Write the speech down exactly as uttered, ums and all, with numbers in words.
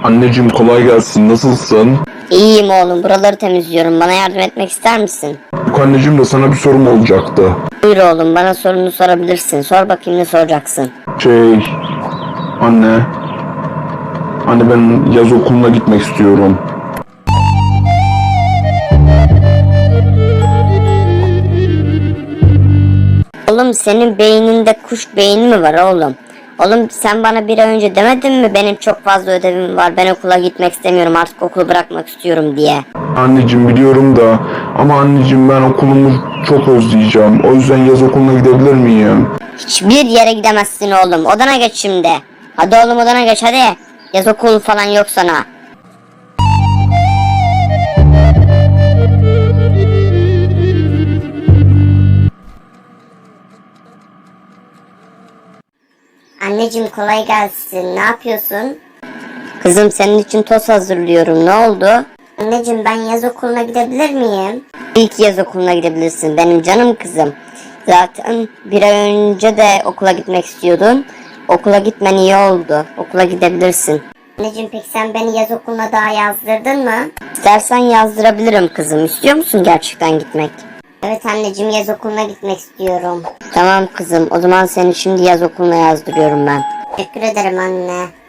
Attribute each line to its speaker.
Speaker 1: Anneciğim kolay gelsin. Nasılsın?
Speaker 2: İyiyim oğlum, buraları temizliyorum. Bana yardım etmek ister misin?
Speaker 1: Yok anneciğim de sana bir sorum olacaktı.
Speaker 2: Buyur oğlum, bana sorunu sorabilirsin. Sor bakayım, ne soracaksın?
Speaker 1: Şey... Anne... Anne ben yaz okuluna gitmek istiyorum.
Speaker 2: Oğlum, senin beyninde kuş beyni mi var oğlum? Oğlum, sen bana bir ay önce demedin mi benim çok fazla ödevim var, ben okula gitmek istemiyorum, artık okulu bırakmak istiyorum diye?
Speaker 1: Anneciğim biliyorum da ama anneciğim ben okulumu çok özleyeceğim. O yüzden yaz okuluna gidebilir miyim?
Speaker 2: Hiçbir yere gidemezsin oğlum, odana geç şimdi. Hadi oğlum, odana geç hadi. Yaz okulu falan yok sana. Anneciğim kolay gelsin. Ne yapıyorsun? Kızım, senin için toz hazırlıyorum. Ne oldu? Anneciğim, ben yaz okuluna gidebilir miyim? İlk yaz okuluna gidebilirsin benim canım kızım. Zaten bir ay önce de okula gitmek istiyordun. Okula gitmen iyi oldu. Okula gidebilirsin. Anneciğim, peki sen beni yaz okuluna daha yazdırdın mı? İstersen yazdırabilirim kızım. İstiyor musun gerçekten gitmek? Evet anneciğim, yaz okuluna gitmek istiyorum. Tamam kızım, o zaman seni şimdi yaz okuluna yazdırıyorum ben. Teşekkür ederim anne.